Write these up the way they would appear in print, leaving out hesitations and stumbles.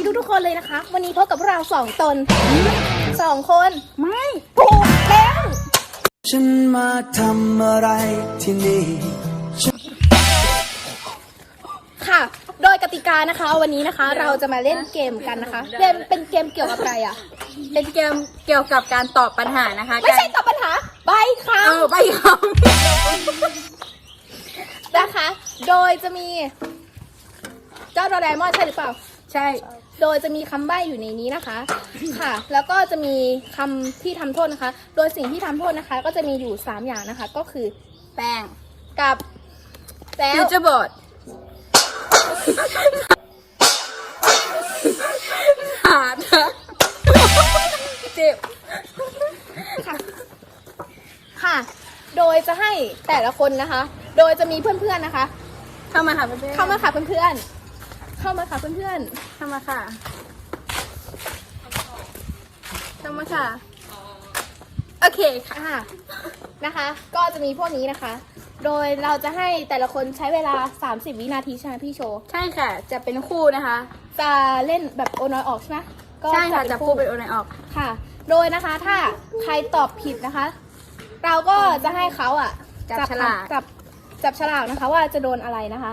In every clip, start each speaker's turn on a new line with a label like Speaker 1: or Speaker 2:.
Speaker 1: ทุกๆคนเลยนะคะวันนี้พบกับเรา2 ตน2 คนไม่ถูกแล้ว
Speaker 2: ฉันมาทำอะไรที่นี่
Speaker 1: ค่ะโดยกติกานะคะวันนี้นะคะเราจะมาเล่นเกมกันนะคะเป็นเกมเกี่ยวกับอะไรอ่ะ
Speaker 3: เป็นเกมเกี่ยวกับการตอบปัญหานะคะ
Speaker 1: ไม่ใช่ตอบปัญหาใบคำ
Speaker 3: ใบค
Speaker 1: ำนะคะโดยจะมีเจ้าโดราเอมอนใช่หรือเปล่า
Speaker 3: ใช่
Speaker 1: โดยจะมีคำใบ้อยู่ในนี้นะคะค่ะแล้วก็จะมีคำที่ทำโทษนะคะโดยสิ่งที่ทำโทษนะคะก็จะมีอยู่3 อย่างนะคะก็คือ
Speaker 3: แป้ง
Speaker 1: กับแล้ว
Speaker 3: ฟิวเจอร์บอร์ดหาดเจ็บ
Speaker 1: ค่ะโดยจะให้แต่ละคนนะคะโดยจะมีเพื่อนๆนะคะ
Speaker 3: เข้ามาค่ะเพื่อน
Speaker 1: เข้ามาค่ะเพื่อนๆเข้ามาค่ะเพื่อน
Speaker 3: ๆเข้ามาค่ะเข้ามาค่ะโอเค
Speaker 1: ค่ะนะคะก็จะมีพวกนี้นะคะโดยเราจะให้แต่ละคนใช้เวลา30 วินาทีใช่ไหมพี่โชว์
Speaker 3: ใช่ค่ะจะเป็นคู่นะคะ
Speaker 1: จะเล่นแบบโอน้อยออกใช่ไหม
Speaker 3: ใช่ค่ะจะคู่เป็นโอน้อยออก
Speaker 1: ค่ะโดยนะคะถ้าใครตอบผิดนะคะเราก็จะให้เขาอ่ะ
Speaker 3: จับฉลาก
Speaker 1: จับฉลากนะคะว่าจะโดนอะไรนะคะ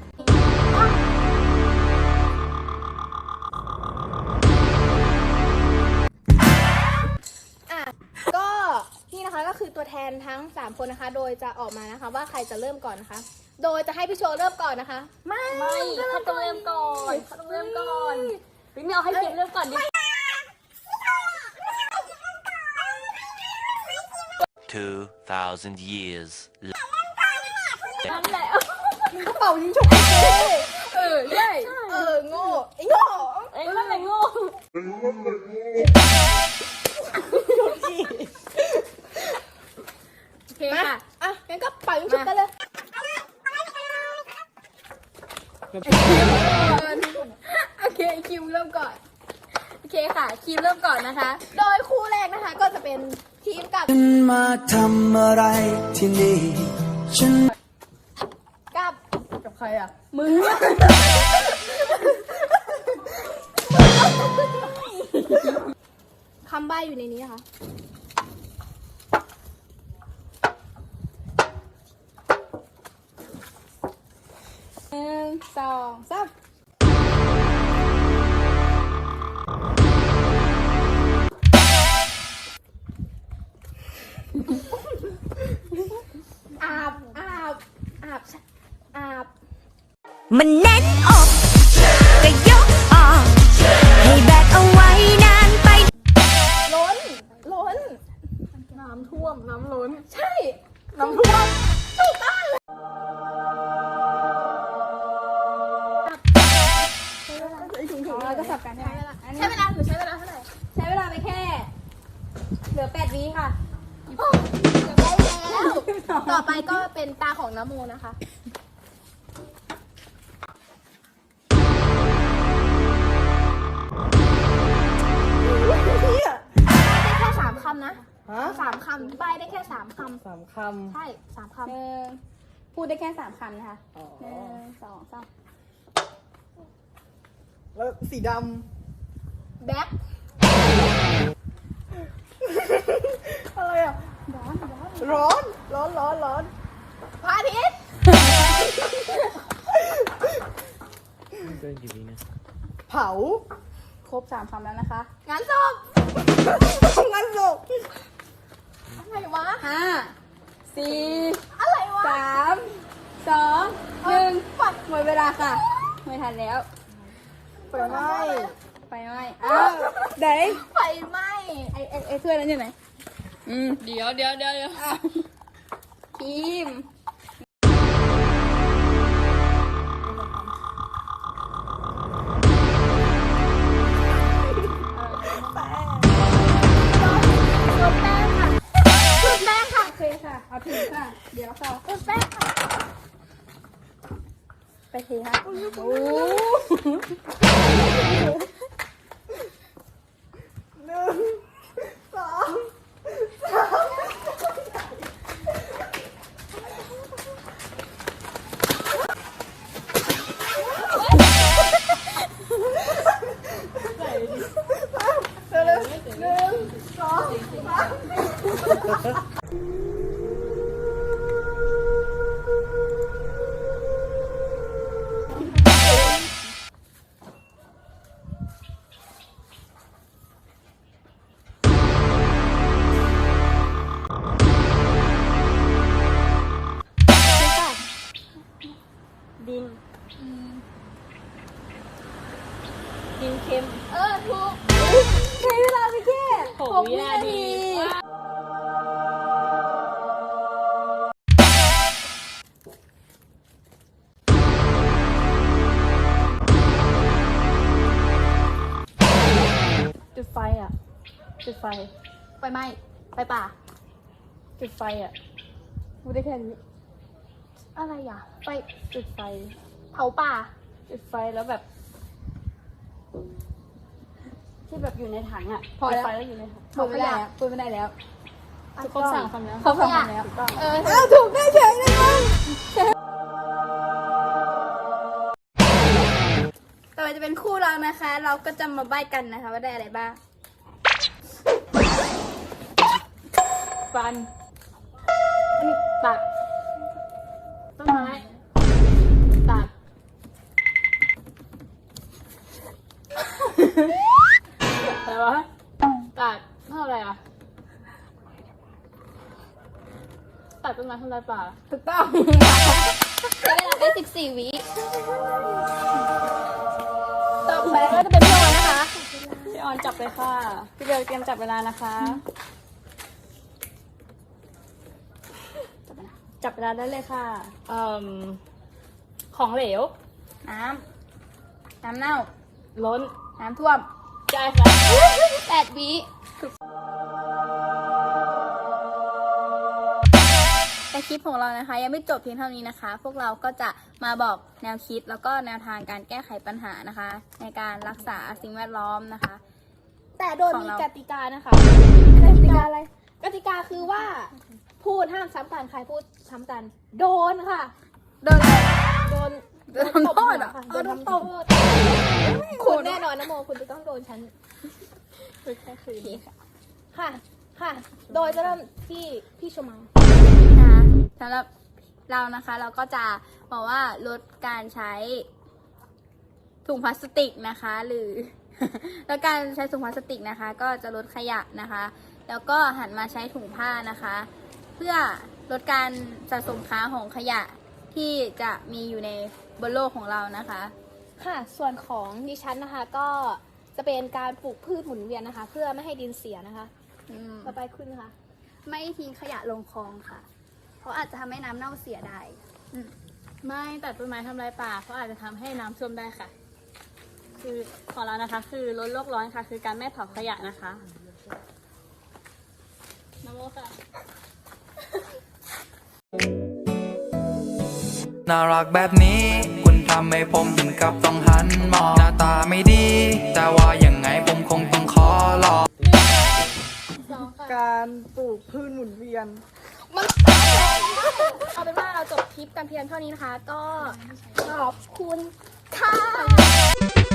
Speaker 1: ก็นี่นะคะก็คือตัวแทนทั้ง3 คนนะคะโดยจะออกมานะคะว่าใครจะเริ่มก่อนนะคะโดยจะให้พี่โชว์เริ่มก่อนนะคะ
Speaker 3: ไม่เขาต้องเริ่มก่อนพี่เมลให้เกียรติเริ่มก่อนดิ
Speaker 4: 2,000 years
Speaker 3: นั่นแหละ
Speaker 1: กระเป๋ายิงฉุก
Speaker 3: ใช่
Speaker 1: โง่ไอ้โง่
Speaker 3: นั่นแหละโง่โอเคค่ะ
Speaker 1: งั้นก็เป่ายิงฉุกกันเลย
Speaker 3: โอเคคิวเริ่มก่อนโอเคค่ะคิวเริ่มก่อนนะคะ
Speaker 1: โดยคู่แรกนะคะก็จะเป็นทีมกับ
Speaker 2: ฉันมาทำอะไรที่นี่ฉัน
Speaker 1: กับใครอ่ะ
Speaker 3: มึง
Speaker 1: คำใบ้อยู่ในนี้นะคะ1 2 3อาบ
Speaker 5: มันแน่นอกก็ยกออกให้แบกเอาไว้นานไป
Speaker 1: ล้น
Speaker 3: น้ำท่วมน้ำล้น
Speaker 1: ใช่น้ำท่วมถูกต้องเราก็สับกันใช้เวลาใช้เวลาเท่าไหร่ใช้เวลาไปแค่เหลือ8 วิค่ะได้แล้วต่อไปก็เป็นตาของน้ำโมนะคะได้แค่3 คำนะ3 คำใบได้แค่3 คำใช่3 คำพูดได้แค่3 คำนะคะ1 2 3
Speaker 6: แล้วสีด
Speaker 1: ำแบ็ค
Speaker 6: อะไรอ่ะร้อน
Speaker 1: พระอาทิตย์
Speaker 6: เผา
Speaker 3: ครบ3 คำแล้วนะคะ
Speaker 1: งานศพอะไรวะ
Speaker 3: 5 4
Speaker 1: อะไรวะ
Speaker 3: 3 2 1หมดเวลาค่ะไม่ทันแล้ว
Speaker 6: ไฟไหม้
Speaker 3: ไหน
Speaker 1: ไฟไหม้
Speaker 3: ไอ้เพื่อนนั้นอยู่ไหนเดี๋ยวทีม
Speaker 1: แป้งค่ะ
Speaker 3: โอเคค่ะเอาถึงค่ะเดี๋ยวค่ะ
Speaker 1: แป้งค่ะ
Speaker 3: ไปเทค่ะโอ้
Speaker 6: 1 2 3
Speaker 3: กินเค็ม
Speaker 1: ถูกใช้เวลาไปแค่
Speaker 3: 6 วินาที
Speaker 6: จุดไฟอ่ะ จุดไฟ
Speaker 1: ไฟไหม้ไฟป่า
Speaker 6: จุดไฟอ่ะพูดได้แค่นี้
Speaker 1: อะไรอ่ะไฟ
Speaker 6: จุดไฟ
Speaker 1: เผาป่า
Speaker 6: จุดไฟแล้วแบบ ที่แบบอยู่ในถังอ่ะ
Speaker 1: พอแล้ว
Speaker 6: จุดไฟแล้วอยู่ในถัง
Speaker 1: พูดไม่ได้แล้วพูดไม่ได้แล้ว
Speaker 3: ทุกคนสั่งคำแล้ว
Speaker 6: เขาฟังมาแล้วถูกต้อง
Speaker 1: ถูกได้เฉยเลยมั้งต่อไปจะเป็นคู่เรานะคะ เราก็จะมาใบ้กันนะคะว่าได้อะไรบ้าง
Speaker 3: ฟันตัดต้นไม้ตัดอะไรวะตัดเท่าอะไรอ่ะตัดต้นไม้ทำลายป่า
Speaker 1: ถูกต้องใช้เวลาไป14 วิต่อไปก็จะเป็นพี่ออนนะคะ
Speaker 3: พี่ออนจับเลยค่ะพี่เบลเตรียมจับเวลานะคะจับเวลาได้เลยค่ะของเหลว
Speaker 1: น้ำเน่า
Speaker 3: ล้น
Speaker 1: น้ำท่วม
Speaker 3: ใช่ค่ะ
Speaker 1: 8 วิแต่คลิปของเรานะคะ ยังไม่จบเพียงเท่านี้นะคะ พวกเราก็จะมาบอกแนวคิดแล้วก็แนวทางการแก้ไขปัญหานะคะ ในการรักษาสิ่งแวดล้อมนะคะ
Speaker 4: แต่โดย
Speaker 1: ของ
Speaker 4: มี
Speaker 1: เรา
Speaker 4: กติกานะคะ
Speaker 1: กติกาอะไร
Speaker 4: กติกาคือว่าพูดห้ามซ้ำกันใครพูดซ้ำกัน โดนค่ะ
Speaker 1: โดนอะไร
Speaker 4: โดน
Speaker 1: โดนทำโทษเหรอ
Speaker 4: ค่ะโดนทำโทษคุณแน่นอนนะโมคุณจะต้องโดนฉัน
Speaker 3: คือแค่คืน
Speaker 4: ค่ะ ค่ะ โดยจะเริ่มที่พี่ชมา
Speaker 1: นะคะสำหรับเรานะคะเราก็จะบอกว่าลดการใช้ถุงพลาสติกนะคะ หรือ ลดการใช้ถุงพลาสติกนะคะ ก็จะลดขยะนะคะ แล้วก็หันมาใช้ถุงผ้านะคะ เพื่อลดการสะสมค้างของขยะที่จะมีอยู่ในบนโลกของเรานะคะ
Speaker 4: ค่ะ ส่วนของดิฉันนะคะ ก็จะเป็นการปลูกพืชหมุนเวียนนะคะ เพื่อไม่ให้ดินเสียนะคะ ต่อไปคุณค่ะ
Speaker 1: ไม่ทิ้งขยะลงคลองค่ะ เพราะอาจจะทำให้น้ำเน่าเสียได้
Speaker 3: ไม่ตัดต้นไม้ทำลายป่าเพราะอาจจะทำให้น้ำท่วมได้ค่ะ คือของเรานะคะ คือลดโลกร้อนค่ะ คือการไม่เผาขยะนะคะน้ำโมค่ะ
Speaker 2: น่ารักแบบนี้ คุณทำให้ผมถึงกับต้องหันมองหน้าตาไม่ดี แต่ว่ายังไงผมคงต้องขอลอง
Speaker 6: การปลูกพืชหมุนเวียน
Speaker 4: เอาเป็นว่าเราจบคลิปกันเพียงเท่านี้นะคะ ก็ขอบคุณค่ะ